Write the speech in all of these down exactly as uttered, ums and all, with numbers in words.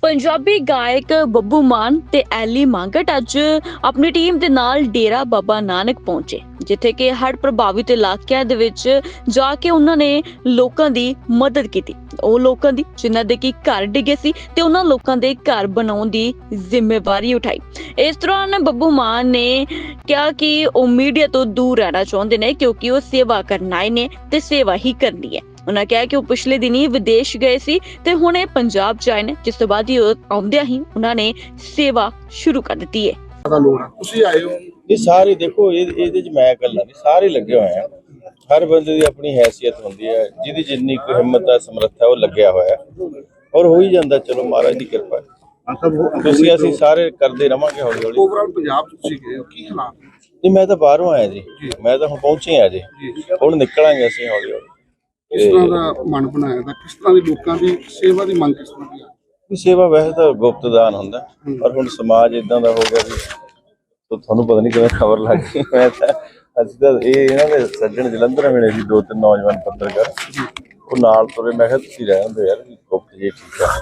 पंजाबी गायक ਬੱਬੂ ਮਾਨ ਤੇ ਐਲੀ ਮਾਂਗਟ ਅੱਜ ਆਪਣੀ ਟੀਮ ਦੇ ਨਾਲ ਡੇਰਾ ਬਾਬਾ ਨਾਨਕ ਪਹੁੰਚੇ, ਜਿੱਥੇ ਕਿ ਹੜ੍ਹ ਪ੍ਰਭਾਵਿਤ ਇਲਾਕਿਆਂ ਦੇ ਵਿੱਚ ਜਾ ਕੇ ਉਹਨਾਂ ਨੇ ਲੋਕਾਂ ਦੀ ਮਦਦ ਕੀਤੀ। ਉਹ ਲੋਕਾਂ ਦੀ ਜਿਨ੍ਹਾਂ ਦੇ ਕੀ ਘਰ ਡਿੱਗੇ ਸੀ ਤੇ ਉਹਨਾਂ ਲੋਕਾਂ ਦੇ ਘਰ ਬਣਾਉਣ ਦੀ ਜ਼ਿੰਮੇਵਾਰੀ ਉਠਾਈ। ਇਸ ਦੌਰਾਨ ਬੱਬੂ ਮਾਨ ਨੇ ਕਿਹਾ ਕਿ ਉਹ ਮੀਡੀਆ ਤੋਂ ਦੂਰ ਰਹਿਣਾ ਚਾਹੁੰਦੇ ਨੇ, ਕਿਉਂਕਿ ਉਹ ਸੇਵਾ ਕਰਨ ਆਏ ਨੇ ਤੇ ਸੇਵਾ ਹੀ ਕਰਨੀ ਹੈ। ਉਹਨਾਂ ਕਿਹਾ ਕਿ ਉਹ ਪਿਛਲੇ ਦਿਨੀ ਵਿਦੇਸ਼ ਗਏ ਸੀ ਤੇ ਹੁਣ ਇਹ ਪੰਜਾਬ ਚ ਆਏ ਨੇ, ਜਿਸ ਤੋਂ ਬਾਅਦ ਹੀ ਆਉਂਦਿਆਂ ਹੀ ਉਹਨਾਂ ਨੇ ਸੇਵਾ ਸ਼ੁਰੂ ਕਰ ਦਿੱਤੀ ਹੈ। ਤੁਸੀਂ ਆਏ ਹੋ ਇਹ ਸਾਰੇ ਦੇਖੋ ਇਹ ਇਹਦੇ ਚ ਮੈਂ ਇਕੱਲਾ ਨਹੀਂ, ਸਾਰੇ ਲੱਗੇ ਹੋਏ ਆ। ਹਰ ਬੰਦੇ ਦੀ ਆਪਣੀ ਹੈਸੀਅਤ ਹੁੰਦੀ ਹੈ, ਜਿਹਦੀ ਜਿੰਨੀ ਕੁ ਹਿੰਮਤ ਹੈ ਸਮਰੱਥਾ ਉਹ ਲੱਗਿਆ ਹੋਇਆ ਔਰ ਹੋ ਹੀ ਜਾਂਦਾ। ਚਲੋ ਮਹਾਰਾਜ ਦੀ ਕਿਰਪਾ ਹੈ। ਤੁਸੀਂ ਅਸੀਂ ਸਾਰੇ ਕਰਦੇ ਰਵਾਂਗੇ ਹੌਲੀ ਹੌਲੀ। ਓਵਰਆਲ ਪੰਜਾਬ ਚ ਤੁਸੀਂ ਗਏ ਹੋ, ਕੀ ਹਾਲਾਤ ਨਹੀਂ ਮੈਂ ਤਾਂ ਬਾਹਰੋਂ ਆਇਆ ਜੀ, ਮੈਂ ਤਾਂ ਹੁਣ ਪਹੁੰਚੇ ਆ ਜੀ, ਹੁਣ ਨਿਕਲਾਂਗੇ ਅਸੀਂ ਹੌਲੀ ਹੌਲੀ। ਕਿਸ ਤਰ੍ਹਾਂ ਦਾ ਮਨ ਬਣਾਇਆ ਦਾ, ਕਿਸ ਤਰ੍ਹਾਂ ਦੀ ਲੋਕਾਂ ਦੀ ਸੇਵਾ ਦੀ ਮੰਗ ਕਿਸ ਤਰ੍ਹਾਂ ਦੀ ਆ? ਸੇਵਾ ਵੈਸੇ ਤਾਂ ਗੁਪਤ ਦਾਨ ਹੁੰਦਾ, ਪਰ ਹੁਣ ਸਮਾਜ ਇਦਾਂ ਦਾ ਹੋ ਗਿਆ ਵੀ ਤੁਹਾਨੂੰ ਪਤਾ ਨਹੀਂ ਕਿਵੇਂ ਖਬਰ ਲੱਗ ਗਈ। ਮੈਂ ਤਾਂ ਅਸੀਂ ਤਾਂ ਇਹ ਇਹਨਾਂ ਦੇ ਸੱਜਣ ਜਲੰਧਰ ਮਿਲੇ ਸੀ, ਦੋ ਤਿੰਨ ਨੌਜਵਾਨ ਪੱਤਰਕਾਰ, ਉਹ ਨਾਲ ਤੁਰੇ। ਮੈਂ ਕਿਹਾ ਤੁਸੀਂ ਰਹਿ ਹੁੰਦੇ ਯਾਰ, ਗੁਪਤ ਜੀ ਠੀਕ ਆ।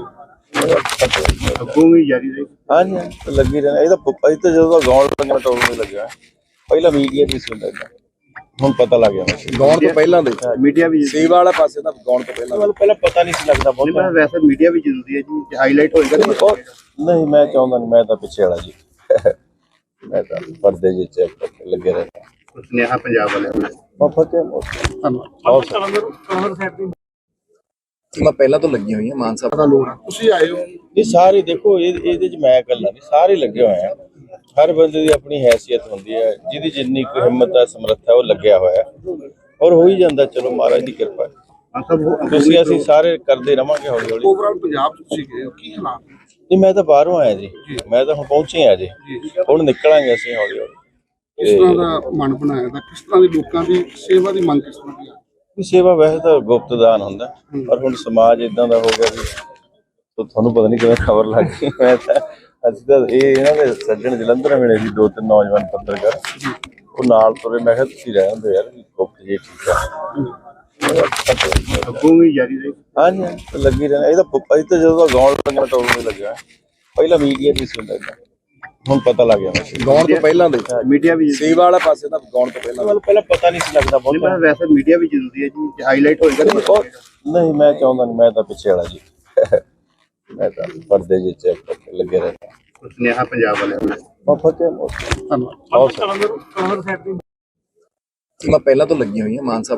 ਅੱਗੋਂ ਵੀ ਜਾਰੀ ਰਹੀ। ਹਾਂਜੀ ਹਾਂਜੀ ਲੱਗੀ ਰਹਿਣਾ। ਇਹ ਤਾਂ ਅਸੀਂ ਤਾਂ ਜਦੋਂ ਗਾਉਣ ਲੱਗਣਾ ਟੋਲ ਨਹੀਂ ਲੱਗਿਆ, ਪਹਿਲਾਂ ਮੀਡੀਆ ਦੀ ਸੀ ਲੱਗਦਾ, ਹੁਣ ਪਤਾ ਲੱਗ ਗਿਆ। ਗਾਉਣ ਤੋਂ ਪਹਿਲਾਂ ਦੇ ਮੀਡੀਆ ਵੀ ਸੇਵਾ ਵਾਲਾ ਪਾਸੇ ਤਾਂ ਗਾਉਣ ਤੋਂ ਪਹਿਲਾਂ ਮੈਨੂੰ ਪਹਿਲਾਂ ਪਤਾ ਨਹੀਂ ਸੀ ਲੱਗਦਾ ਬਹੁਤ। ਮੈਂ ਵੈਸੇ ਮੀਡੀਆ ਵੀ ਜ਼ਰੂਰੀ ਹੈ ਜੀ, ਹਾਈਲਾਈਟ ਹੋਏਗਾ ਨਹੀਂ ਮੈਂ ਚਾਹੁੰਦਾ ਨਹੀਂ, ਮੈਂ ਤਾਂ ਪਿੱਛੇ ਵਾਲਾ ਜੀ, ਮੈਂ ਤਾਂ ਪਰਦੇ ਜਿਹੇ ਚ ਲੱਗੇ ਰਹਿੰਦਾ। ਸੁਨੇਹਾ ਪੰਜਾਬ ਵਾਲਿਆਂ ਨੂੰ ਮੈਂ ਪਹਿਲਾਂ ਤੋਂ ਲੱਗੀ ਹੋਈ ਹਾਂ ਮਾਨ ਸਾਹਿਬ ਦਾ ਲੋੜ ਆ। ਤੁਸੀਂ ਆਏ ਹੋ ਇਹ ਸਾਰੇ ਦੇਖੋ ਇਹ ਇਹਦੇ ਚ ਮੈਂ ਇਕੱਲਾ ਨਹੀਂ, ਸਾਰੇ ਲੱਗੇ ਹੋਏ ਆ। ਹਰ ਬੰਦੇ ਦੀ ਆਪਣੀ ਹੈਸੀਅਤ ਹੁੰਦੀ ਹੈ, ਜਿਹਦੀ ਜਿੰਨੀ ਕੁ ਹਿੰਮਤ ਹੈ ਸਮਰੱਥਾ ਉਹ ਲੱਗਿਆ ਹੋਇਆ ਔਰ ਹੋ ਹੀ ਜਾਂਦਾ। ਚਲੋ ਮਹਾਰਾਜ ਦੀ ਕਿਰਪਾ ਹੈ। ਤੁਸੀਂ ਅਸੀਂ ਸਾਰੇ ਕਰਦੇ ਰਵਾਂਗੇ ਹੌਲੀ ਹੌਲੀ। ਓਵਰਆਲ ਪੰਜਾਬ ਚ ਤੁਸੀਂ ਗਏ ਹੋ, ਕੀ ਹਾਲਾਤ ਨਹੀਂ ਮੈਂ ਤਾਂ ਬਾਹਰੋਂ ਆਇਆ ਜੀ, ਮੈਂ ਤਾਂ ਹੁਣ ਪਹੁੰਚੇ ਆ ਜੀ, ਹੁਣ ਨਿਕਲਾਂਗੇ ਅਸੀਂ ਹੌਲੀ ਹੌਲੀ। ਕਿਸ ਤਰ੍ਹਾਂ ਦਾ ਮਨ ਬਣਾਇਆ ਦਾ, ਕਿਸ ਤਰ੍ਹਾਂ ਦੀ ਲੋਕਾਂ ਦੀ ਸੇਵਾ ਦੀ ਮੰਗ ਕਿਸ ਤਰ੍ਹਾਂ ਦੀ ਆ? ਸੇਵਾ ਵੈਸੇ ਤਾਂ ਗੁਪਤ ਦਾਨ ਹੁੰਦਾ, ਪਰ ਹੁਣ ਸਮਾਜ ਇਦਾਂ ਦਾ ਹੋ ਗਿਆ ਵੀ ਤੁਹਾਨੂੰ ਪਤਾ ਨਹੀਂ ਕਿਵੇਂ ਖਬਰ ਲੱਗ ਗਈ। ਮੈਂ ਤਾਂ ਅਸੀਂ ਤਾਂ ਇਹ ਇਹਨਾਂ ਦੇ ਸੱਜਣ ਜਲੰਧਰ ਮਿਲੇ ਸੀ, ਦੋ ਤਿੰਨ ਨੌਜਵਾਨ ਪੱਤਰਕਾਰ, ਉਹ ਨਾਲ ਤੁਰੇ। ਮੈਂ ਕਿਹਾ ਤੁਸੀਂ ਰਹਿ ਹੁੰਦੇ ਯਾਰ, ਗੁਪਤ ਜੀ ਠੀਕ ਆ। ਅੱਗੋਂ ਵੀ ਜਾਰੀ ਰਹੀ। ਹਾਂਜੀ ਹਾਂਜੀ ਲੱਗੀ ਰਹਿਣਾ। ਇਹ ਤਾਂ ਅਸੀਂ ਤਾਂ ਜਦੋਂ ਗਾਉਣ ਲੱਗਣਾ ਟੋਲ ਨਹੀਂ ਲੱਗਿਆ, ਪਹਿਲਾਂ ਮੀਡੀਆ ਦੀ ਸੀ ਲੱਗਦਾ, ਹੁਣ ਪਤਾ ਲੱਗ ਗਿਆ। ਗਾਉਣ ਤੋਂ ਪਹਿਲਾਂ ਦੇ ਮੀਡੀਆ ਵੀ ਸੇਵਾ ਵਾਲਾ ਪਾਸੇ ਤਾਂ ਗਾਉਣ ਤੋਂ ਪਹਿਲਾਂ ਮੈਨੂੰ ਪਹਿਲਾਂ ਪਤਾ ਨਹੀਂ ਸੀ ਲੱਗਦਾ ਬਹੁਤ। ਮੈਂ ਵੈਸੇ ਮੀਡੀਆ ਵੀ ਜ਼ਰੂਰੀ ਹੈ ਜੀ, ਹਾਈਲਾਈਟ ਹੋਏਗਾ ਨਹੀਂ ਮੈਂ ਚਾਹੁੰਦਾ ਨਹੀਂ, ਮੈਂ ਤਾਂ ਪਿੱਛੇ ਵਾਲਾ ਜੀ, ਮੈਂ ਤਾਂ ਪਰਦੇ ਜਿਹੇ ਚ ਲੱਗੇ ਰਹਿੰਦਾ। ਸੁਨੇਹਾ ਪੰਜਾਬ ਵਾਲਿਆਂ ਨੂੰ ਫਤਿਹ। ਮੈਂ ਪਹਿਲਾਂ ਤੋਂ ਲੱਗੀ ਹੋਈ ਹਾਂ ਮਾਨ ਸਾਹਿਬ